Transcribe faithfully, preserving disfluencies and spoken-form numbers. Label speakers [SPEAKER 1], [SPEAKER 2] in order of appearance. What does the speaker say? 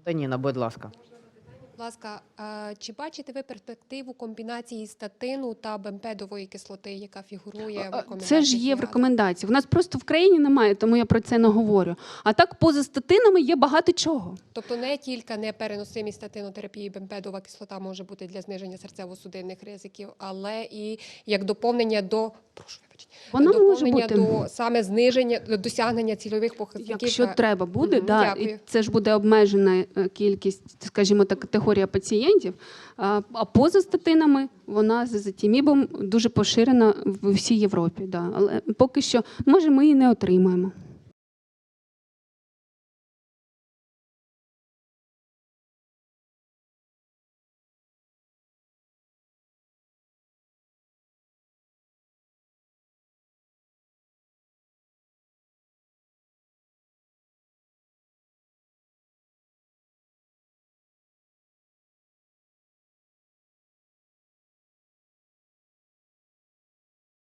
[SPEAKER 1] Антоніна, будь ласка.
[SPEAKER 2] Будь ласка, чи бачите ви перспективу комбінації статину та бемпедової кислоти, яка фігурує в рекомендаціях?
[SPEAKER 3] Це ж є в
[SPEAKER 2] ЄГАДА?
[SPEAKER 3] рекомендації. У нас просто в країні немає, тому я про це не говорю. А так, поза статинами є багато чого.
[SPEAKER 2] Тобто не тільки непереносимість статинотерапії бемпедова кислота може бути для зниження серцево-судинних ризиків, але і як доповнення до прошу вибачте,
[SPEAKER 3] Вона може
[SPEAKER 2] доповнення
[SPEAKER 3] бути.
[SPEAKER 2] до саме зниження до досягнення цільових показників.
[SPEAKER 3] Якщо треба буде,
[SPEAKER 2] Мгм,
[SPEAKER 3] да,
[SPEAKER 2] дякую.
[SPEAKER 3] і це ж буде обмежена е, кількість, скажімо так, категорія пацієнтів. А, а поза статинами вона з езотимібом дуже поширена в всій Європі. Да. Але поки що, може, ми її не отримаємо.